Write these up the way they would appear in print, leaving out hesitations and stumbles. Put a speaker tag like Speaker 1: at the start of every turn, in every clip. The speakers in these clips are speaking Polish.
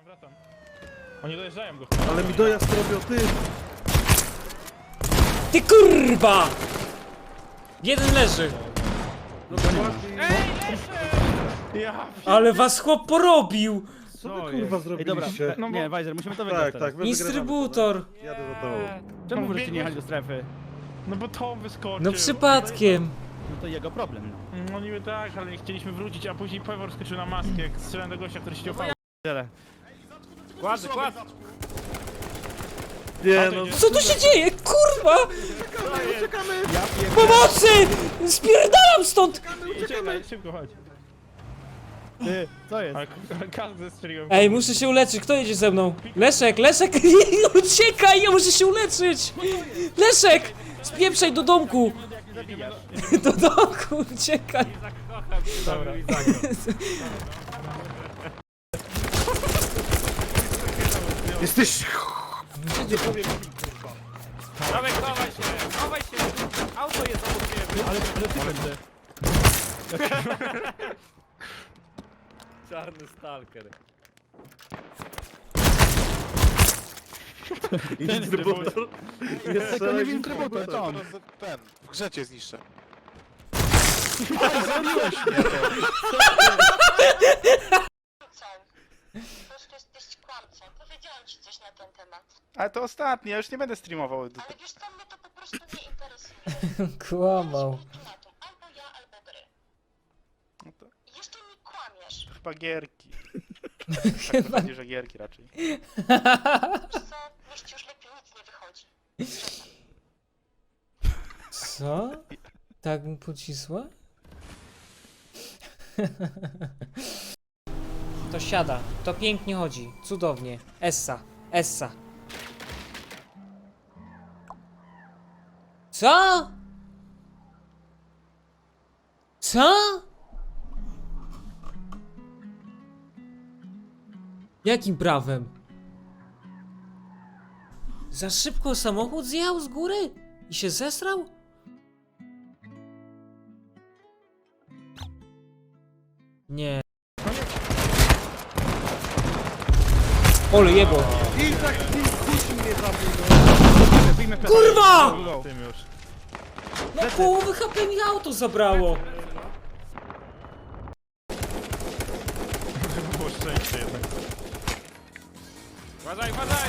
Speaker 1: Wracam. Oni dojeżdżają go.
Speaker 2: Ale mi dojazd robią, ty!
Speaker 3: Ty kurwa! Jeden leży.
Speaker 2: No to ładnie.
Speaker 1: Ja...
Speaker 3: Ale was chłop porobił!
Speaker 2: Co wy kurwa
Speaker 4: Ej, dobra,
Speaker 2: zrobiliście?
Speaker 1: No bo-
Speaker 4: nie, Weiser, musimy to wygrać
Speaker 2: Tak,
Speaker 4: teraz.
Speaker 2: tak, wy
Speaker 3: Instrybutor!
Speaker 2: wygrywamy to, Jadę za tobą.
Speaker 4: Czemu
Speaker 1: No,
Speaker 4: możecie nie
Speaker 1: biegłeś-
Speaker 4: jechać do strefy?
Speaker 1: No bo to wyskoczył.
Speaker 3: No przypadkiem.
Speaker 4: No to jego problem, no.
Speaker 1: No niby tak, ale nie chcieliśmy wrócić, a później Pewor skoczył na maskę, jak strzelałem do gościa, który siedział
Speaker 4: Tyle. Kładź, kładź!
Speaker 2: Nie no,
Speaker 3: Co tu się dzieje? Kurwa!
Speaker 4: Ja pierdolę.
Speaker 3: Pomocy! Spierdalam stąd!
Speaker 1: Uciekaj, szybko chodź.
Speaker 4: Ty, co jest?
Speaker 1: Ale każdy strzeliłem.
Speaker 3: Ej, muszę się uleczyć. Kto jedzie ze mną? Leszek, Leszek! Uciekaj, ja muszę się uleczyć! Leszek! Spieprzaj do domku! Do domku, uciekaj!
Speaker 1: Dobra.
Speaker 2: jesteś...
Speaker 4: Dawaj, chowaj się! Chowaj się! Auto jest obok ciebie! Ale ty będę.
Speaker 5: Czarny stalker.
Speaker 2: Instrybutor. Jest
Speaker 4: To nie wiem, trybutor, to on.
Speaker 6: Ten, w grze cię zniszczę.
Speaker 7: Po prostu jesteś kłamcą. Powiedziałam ci coś na ten temat.
Speaker 6: Ale to ostatni, ja już nie będę streamował.
Speaker 7: Ale wiesz co, mnie to po prostu nie interesuje.
Speaker 3: Kłamał.
Speaker 7: Ultimatum. Albo ja, albo gry.
Speaker 6: No to
Speaker 7: I jeszcze mi kłamiesz.
Speaker 6: chyba gierki. Tak wychodzi, że gierki raczej.
Speaker 7: Wiesz co, niech ci już lepiej nic nie wychodzi.
Speaker 3: Co? Tak mu pocisła? To siada, to pięknie chodzi, cudownie. Essa, essa. Co? Co? Jakim prawem? Za szybko samochód zjechał z góry? I się zesrał? Nie. Ole jebo.
Speaker 2: I tak kusi mnie zabił.
Speaker 4: Wyjmę plecak.
Speaker 3: Kurwa!
Speaker 1: Tym już.
Speaker 3: No połowy HP mi auto zabrało.
Speaker 1: Było szczęście jednak.
Speaker 5: Uważaj, uważaj!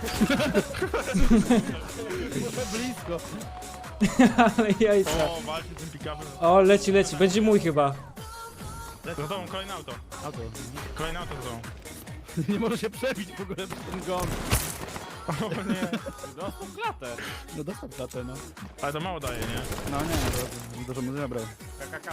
Speaker 4: Blisko.
Speaker 3: Ale jajca.
Speaker 1: O, walczy z tym pick-upem.
Speaker 3: O, leci, leci. Będzie mój chyba.
Speaker 1: Za tobą, kolejne auto.
Speaker 4: Auto.
Speaker 1: Kolejne auto za tobą.
Speaker 4: Nie może się przebić w ogóle przez ten gon.
Speaker 1: O nie.
Speaker 5: Dostał klatę.
Speaker 4: No dostał klatę, no.
Speaker 1: Ale to mało daje, nie?
Speaker 4: No nie, dużo mu zabrał.
Speaker 5: KKK.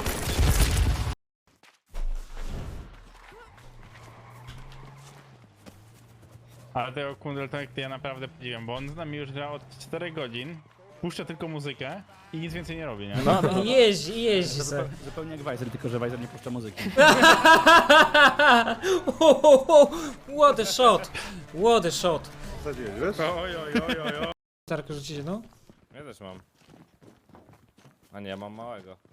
Speaker 1: Ale tego Kundeltek to ja naprawdę podziwiam, bo on z nami już gra od 4 godzin, puszcza tylko muzykę i nic więcej nie robi, nie?
Speaker 4: No,
Speaker 3: Jeździ, jeździ se.
Speaker 4: Zupełnie jak Weiser, tylko że Weiser nie puszcza muzyki.
Speaker 3: What a shot. What a shot.
Speaker 2: Zadziwię, wiesz?
Speaker 1: Oj, oj, oj, oj, oj.
Speaker 3: Tarko rzucicie, no?
Speaker 5: Ja też mam. A nie, mam małego.